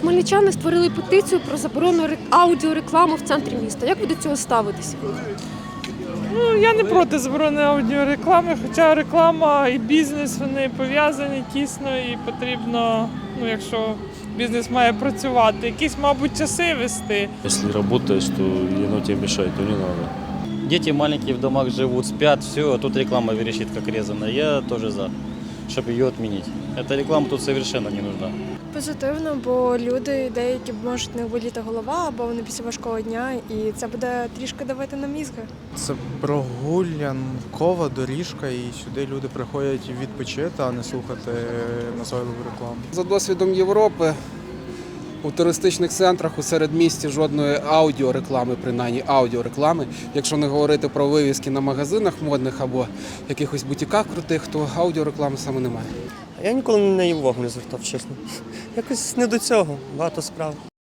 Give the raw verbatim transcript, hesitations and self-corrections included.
Хмельничани створили петицію про заборону ре- аудіореклами в центрі міста. Як ви до цього ставитесь? Ну, я не проти заборони аудіореклами, хоча реклама і бізнес, вони пов'язані тісно і потрібно, ну, якщо бізнес має працювати, якісь, мабуть, часи вести. Если работаешь, то и оно тебе мешает, то не надо. Дети маленькие в домах живут, спят, все, а тут реклама верещит как резаная. Я тоже за, чтобы ее отменить. Эта реклама тут совершенно не нужна. Позитивно, бо люди деякі можуть не боліти голова, або вони після важкого дня, і це буде трішки давити на мізки. Це прогулянкова доріжка, і сюди люди приходять відпочити, а не слухати назойливу рекламу. За досвідом Європи у туристичних центрах у середмісті жодної аудіореклами, принаймні аудіореклами. Якщо не говорити про вивіски на магазинах модних або якихось бутіках крутих, то аудіореклами саме немає. Я ніколи на неї увагу не звертав, чесно. Якось не до цього, багато справ.